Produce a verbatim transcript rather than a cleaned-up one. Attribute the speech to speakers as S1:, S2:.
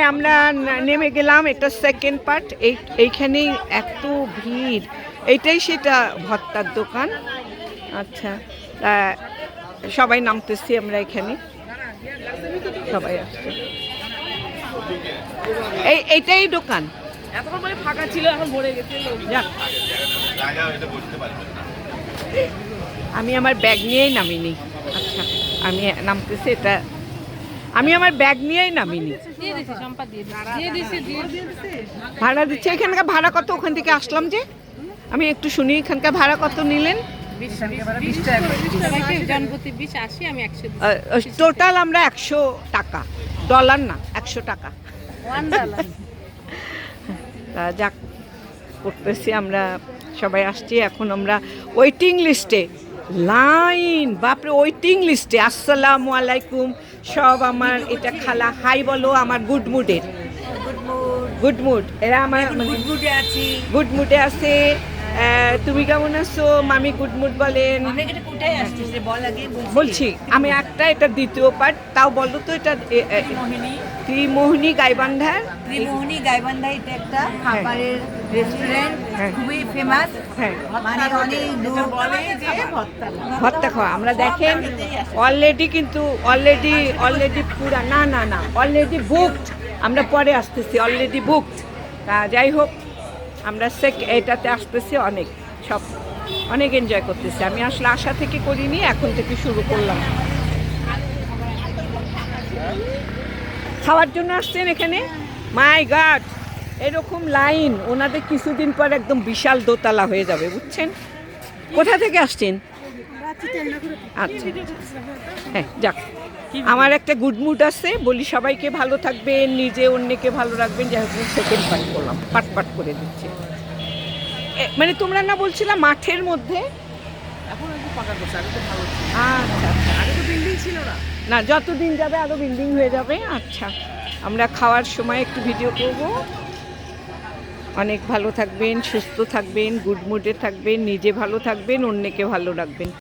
S1: আমরা নেমে গেলাম, এটা সেকেন্ড পার্ট। এই এইখানেই এত ভিড়, এইটাই সেটা ভর্তার দোকান। আচ্ছা, সবাই নামতেছি আমরা এখানে, সবাই আসছে। এই এইটাই দোকান,
S2: এতক্ষণ মানে ফাঁকা ছিল, এখন ভরে গেছে।
S1: যাক, আমি আমার ব্যাগ নিয়েই নামিনি। আচ্ছা, আমি নামতেছি, এটা আমি আমার ব্যাগ নিয়েই নামিনি। ভাড়া দিচ্ছে। এখানকার ভাড়া কত? ওখান থেকে আসলাম যে, আমি একটু শুনি এখানকার ভাড়া কত নিলেন? টোটাল আমরা একশো টাকা, ডলার না, একশো টাকা। যাক, করতেছি আমরা, সবাই আসছি। এখন আমরা ওয়েটিং লিস্টে, লাইন, বাপরে, ওয়েটিং লিস্টে। আসসালামু আলাইকুম সব আমার, এটা খালা, হাই বলো আমার গুড মুডের, গুড মুড। এরা আমার গুড মুডে আছি, গুড মুডে আছে। তুমি কেমন আছো মামি? গুড মুড বলেন। বলছি আমি একটা, এটা দ্বিতীয় পার্ট, তাও বলো তো। এটা ত্রিমোহিনী গাইবান্ধার,
S3: ত্রিমোহিনী গাইবান্ধা, এটা একটা খাবারের রেস্টুরেন্ট, খুবই ফেমাস।
S1: হ্যাঁ,
S3: মানে অনেক দূর বলে যে
S1: ভর্তা খাওয়া। আমরা দেখেন অলরেডি, কিন্তু অলরেডি অলরেডি পুরা, না না না অলরেডি বুকড। আমরা পরে আসতেছি, অলরেডি বুকড। তা যাই হোক, আমরা সেক এটাতে আসতেছি, অনেক সব অনেক এনজয় করতেছি। আমি আসলে আশা থেকে করিনি, এখন থেকে শুরু করলাম। খাওয়ার জন্য আসছেন এখানে? মাই গড, এরকম লাইন, ওনাদের কিছুদিন পর একদম বিশাল দোতলা হয়ে যাবে, বুঝছেন? কোথা থেকে আসছেন? আচ্ছা, হ্যাঁ, যাক, আমার একটা গুড মুড আছে। বলি সবাইকে ভালো থাকবেন, নিজে অন্যকে ভালো রাখবেন। যাই হোক, সেকেন্ড পার্ট করলাম, পাট পাট করে দিচ্ছি। মানে তোমরা না বলছিলাম মাঠের মধ্যে?
S2: এখন একটু পাকা করছে, আগে তো ভালো ছিল।
S1: আচ্ছা আচ্ছা,
S2: আগে তো বিল্ডিং ছিল না।
S1: না, যতদিন যাবে আরো বিল্ডিং হয়ে যাবে। আচ্ছা, আমরা খাওয়ার সময় একটু ভিডিও করব। অনেক ভালো থাকবেন, সুস্থ থাকবেন, গুড মুডে থাকবেন, নিজে ভালো থাকবেন, অন্যকে ভালো রাখবেন।